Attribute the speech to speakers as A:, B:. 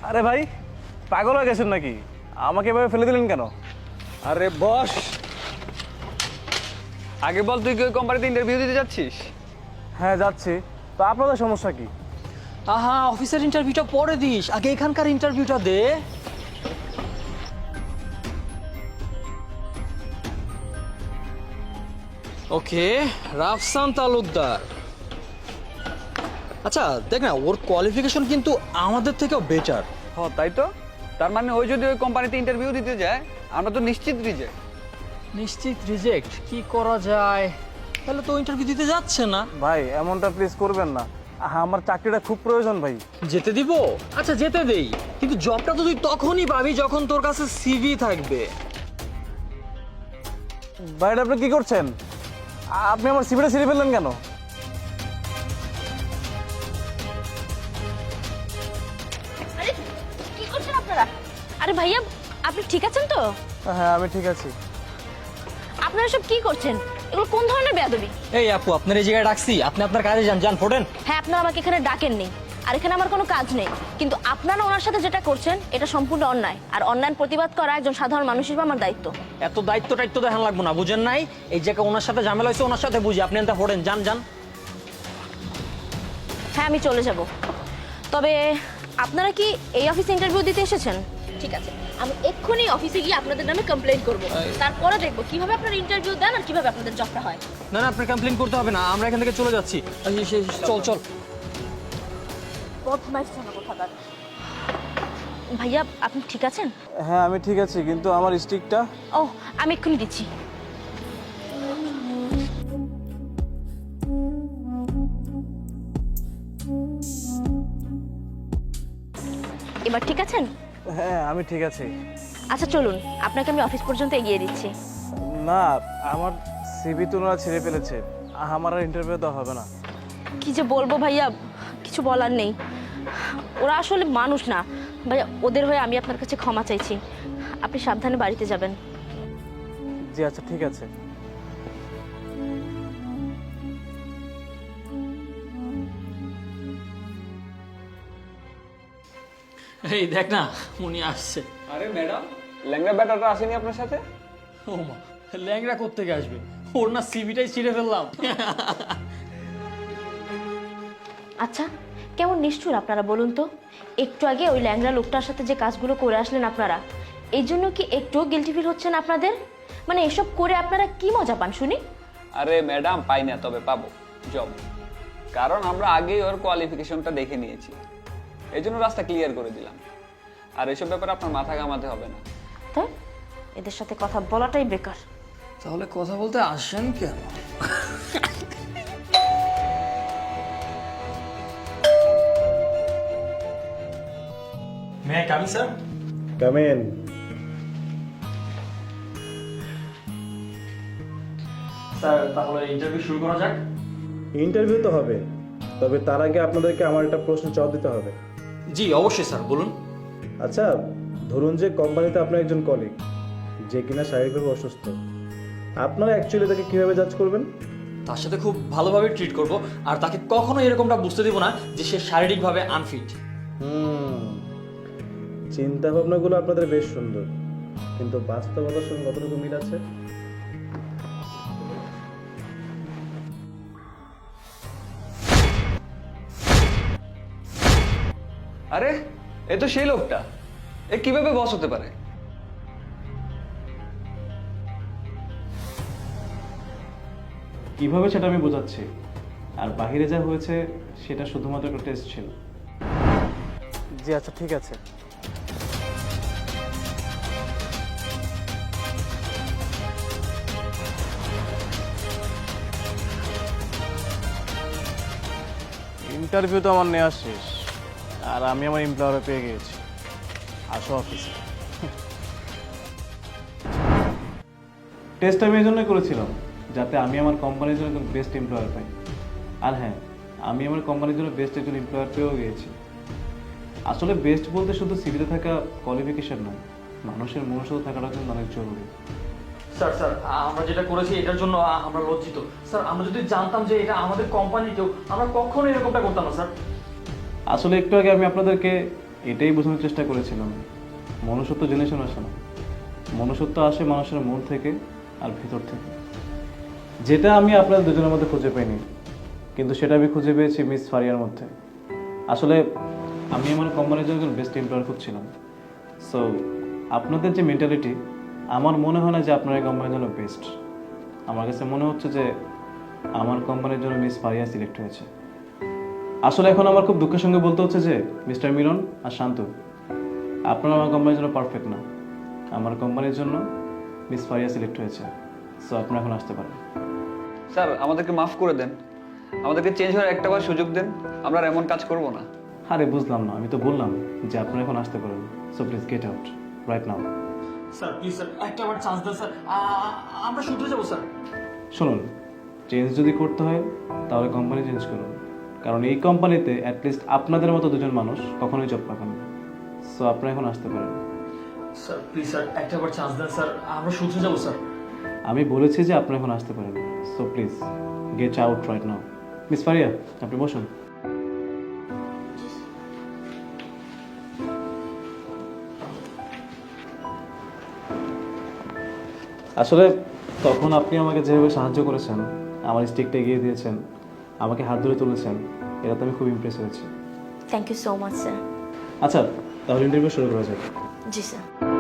A: আরে ভাই, পাগল হয়ে গেছেন নাকি? আমাকে এভাবে ফেলে দিলেন কেন?
B: আরে বস, আগে বল তুই কি ওই কোম্পানিতে ইন্টারভিউ দিতে যাচ্ছিস?
A: হ্যাঁ যাচ্ছি। তো আপনাদের সমস্যা কি?
C: আহা, অফিসের ইন্টারভিউটা পরে দিস, আগে এখানকার ইন্টারভিউটা দে। ওকে, রাফসান তালুকদার। আচ্ছা দেখ না, ওর কোয়ালিফিকেশন কিন্তু আমাদের থেকেও বেটার।
B: তাই তো। তার মানে ওই যদি ওই কোম্পানিতে ইন্টারভিউ দিতে যায়, আমরা তো নিশ্চিত রিজেক্ট।
C: নিশ্চিত রিজেক্ট? কি করা যায়? তাহলে তো ইন্টারভিউ দিতে যাচ্ছে না।
A: ভাই এমনটা প্লিজ করবেন না। আমার চাকরিটা খুব প্রয়োজন ভাই।
C: যেতে দিব? আচ্ছা যেতে দেই, কিন্তু জবটা তো তুই তখনই পাবি যখন তোর কাছে সিভি থাকবে।
A: ভাই এটা আপনি কি করছেন? আপনি আমার সিভিটা ছিঁড়ে ফেললেন কেন?
D: আরে কি করছেন আপনারা? আরে ভাইয়া, আপনি ঠিক আছেন তো?
A: হ্যাঁ আমি ঠিক আছি।
D: আপনারা সব কি করছেন? এগুলো কোন ধরনের বেয়াদবি?
C: এই আপু, আপনার এই জায়গায় ডাকছি, আপনি আপনার কাজে যান, যান ফোটেন।
D: হ্যাঁ, আপনারা আমাকে এখানে ডাকেননি, আর এখানে আমার কোনো কাজ নেই, কিন্তু আপনারা ওনার সাথে যেটা করছেন এটা সম্পূর্ণ অন্যায়, আর অন্যায় প্রতিবাদ করা একজন সাধারণ মানুষ হিসেবে আমার দায়িত্ব।
C: এত দায়িত্ব টাইত্ব দেখান লাগবো না, বুঝেন নাই? এই জায়গায় ওনার সাথে ঝামেলা হয়েছে, ওনার সাথে বুঝি, আপনি এনটা ফোটেন, যান যান।
D: হ্যাঁ আমি চলে যাব, তবে আপনারা কি এই অফিসে ইন্টারভিউ দিতে এসেছেন? ঠিক আছে, আমি এক্ষুনি অফিসে গিয়ে আপনাদের নামে কমপ্লেইন করব, তারপরে দেখব কিভাবে আপনারা ইন্টারভিউ দেন আর কিভাবে আপনাদের জবটা হয়।
C: না না, আপনার কমপ্লেন করতে হবে না, আমরা এখান থেকে চলে যাচ্ছি। চল চল।
D: বদমাইশ জন্য কোথাকার। ভাইয়া আপনি ঠিক আছেন?
A: হ্যাঁ আমি ঠিক আছি, কিন্তু আমার স্টিকটা।
D: ও, আমি এক্ষুনি দিচ্ছি। এবার ঠিক আছেন?
A: হ্যাঁ আমি ঠিক আছি।
D: আচ্ছা চলুন, আপনাকে আমি অফিস পর্যন্ত এগিয়ে দিচ্ছি।
A: না, আমার সিভি তো ওরা ছিঁড়ে ফেলেছে, আমার আর ইন্টারভিউ দেওয়া হবে না।
D: কি যে বলবো ভাইয়া, কিছু বলার নেই। ওরা আসলে মানুষ না ভাইয়া, ওদের হয়ে আমি আপনার কাছে ক্ষমা চাইছি। আপনি সাবধানে বাড়িতে যাবেন।
A: জি আচ্ছা ঠিক আছে।
C: এই দেখ না, উনি আসছে।
B: আরে ম্যাডাম, ল্যাংড়া ব্যাটাটা আসেনি আপনার সাথে?
C: ও মা, ল্যাংড়া কোত্থেকে আসবে? ওর না সিভিটাই ছিঁড়ে ফেললাম।
D: আচ্ছা, কেমন নিষ্ঠুর আপনারা বলুন তো। একটু আগে ওই ল্যাংড়া লোকটার সাথে যে কাজগুলো করে আসলেন আপনারা, এই জন্য কি একটুও গিল্টি ফিল হচ্ছে না আপনাদের? মানে এসব করে আপনারা কি মজা পান শুনি?
B: আরে ম্যাডাম, পাই না, তবে পাবো জব। কারণ আমরা আগেই ওর কোয়ালিফিকেশনটা দেখে নিয়েছি, এই জন্য রাস্তা ক্লিয়ার করে দিলাম। আর এসব ব্যাপারে আপনার মাথা ঘামাতে হবে না।
D: তাই এদের সাথে কথা বলাটাই বেকার।
C: তাহলে কথা বলতে আসেন কেন? May I come in sir?
A: Come in.
C: Sir তাহলে ইন্টারভিউ শুরু করা যাক।
A: ইন্টারভিউ তো হবে, তবে তার আগে আপনাদেরকে আমার একটা প্রশ্ন জবাব দিতে হবে।
C: জি অবশ্যই স্যার, বলুন।
A: আচ্ছা, ধরুন যে কোম্পানিতে আপনার একজন কলিগ যে কিনা শারীরিকভাবে অসুস্থ, আপনারা অ্যাকচুয়ালি তাকে কিভাবে জাজ করবেন?
C: তার সাথে খুব ভালোভাবে ট্রিট করব, আর তাকে কখনো এরকমটা বুঝতে দেব না যে সে শারীরিকভাবে আনফিট।
A: চিন্তা ভাবনাগুলো আপনাদের বেশ সুন্দর, কিন্তু বাস্তবতার সঙ্গে কতটুকু মিল আছে?
B: আরে এ তো সেই লোকটা, এ কিভাবে বস হতে পারে?
A: কিভাবে সেটা আমি বোঝাচ্ছি, আর বাহিরে যা হয়েছে সেটা শুধুমাত্র একটা টেস্ট ছিল। জি আচ্ছা ঠিক আছে। ইন্টারভিউ তো আমার নেওয়া শেষ, আর আমি আমার এমপ্লয়ারে পেয়ে গিয়েছি। আসো অফিসে। টেস্ট আমি এই জন্যই করেছিলাম যাতে আমি আমার কোম্পানির জন্য একজন বেস্ট এমপ্লয়ার পাই। আর হ্যাঁ, আমি আমার কোম্পানির জন্য বেস্ট একজন এমপ্লয়ার পেয়েও গিয়েছি। আসলে বেস্ট বলতে শুধু সিভিতে থাকা কোয়ালিফিকেশন নয়, মানুষের মনুষ্যত্ব থাকাটা কিন্তু অনেক জরুরি।
C: স্যার স্যার, আমরা যেটা করেছি এটার জন্য আমরা লজ্জিত। স্যার আমরা যদি জানতাম যে এটা আমাদের কোম্পানি কেউ, আমরা কখনো এরকমটা করতাম না স্যার।
A: আসলে একটু আগে আমি আপনাদেরকে এটাই বোঝানোর চেষ্টা করেছিলাম মনুষ্যত্ব জেনে শুনে আসে না, মনুষ্যত্ব আসে মানুষের মন থেকে আর ভিতর থেকে, যেটা আমি আপনাদের দুজনের মধ্যে খুঁজে পাইনি, কিন্তু সেটা আমি খুঁজে পেয়েছি মিস ফারিয়ার মধ্যে। আসলে আমি আমার কোম্পানির জন্য একজন বেস্ট এমপ্লয়ার খুঁজছিলাম। সো আপনাদের যে মেন্টালিটি, আমার মনে হয় না যে আপনার এই কোম্পানির জন্য বেস্ট। আমার কাছে মনে হচ্ছে যে আমার কোম্পানির জন্য মিস ফারিয়া সিলেক্ট হয়েছে। আসলে এখন আমার খুব দুঃখের সঙ্গে বলতে হচ্ছে যে মিস্টার মিলন আর শান্ত, আপনারা আমার কোম্পানির জন্য পারফেক্ট না। আমার কোম্পানির জন্য মিস ফারিয়া সিলেক্ট হয়েছে। সো আপনারা এখন আসতে পারেন।
B: স্যার আমাদেরকে মাফ করে দেন, আমাদেরকে চেঞ্জ হওয়ার একটাবার সুযোগ দেন, আমরা আর এমন কাজ করব না।
A: আরে বুঝলাম না, আমি তো বললাম যে আপনারা এখন আসতে পারেন। So please get out right now.
C: Sir please sir একটা বার চান্স দেন স্যার, আমরা শুধরে যাবো স্যার।
A: শুনুন, চেঞ্জ যদি করতে হয় তাহলে কোম্পানি চেঞ্জ করুন, কারণ এই কোম্পানিতে অ্যাটলিস্ট আপনাদের মতো দুজন মানুষ কখনোই জব পাবেন না। সো আপনারা এখন আসতে পারেন।
C: স্যার প্লিজ স্যার একটা বার চান্স দেন স্যার, আমরা শুধরে যাবো স্যার।
A: আমি বলেছি যে আপনারা এখন আসতে পারেন। So please get out right now. Miss Faria, আপনি বসুন। আসলে তখন আপনি আমাকে যেভাবে সাহায্য করেছেন, আমার স্টিকটা এগিয়ে দিয়েছেন, আমাকে হাত ধরে তুলেছেন, এটাতে আমি খুব ইমপ্রেস হয়েছি।
D: Thank you so much sir.
A: আচ্ছা, তাহলে ইন্টারভিউ শুরু করা যাক।
D: জি স্যার।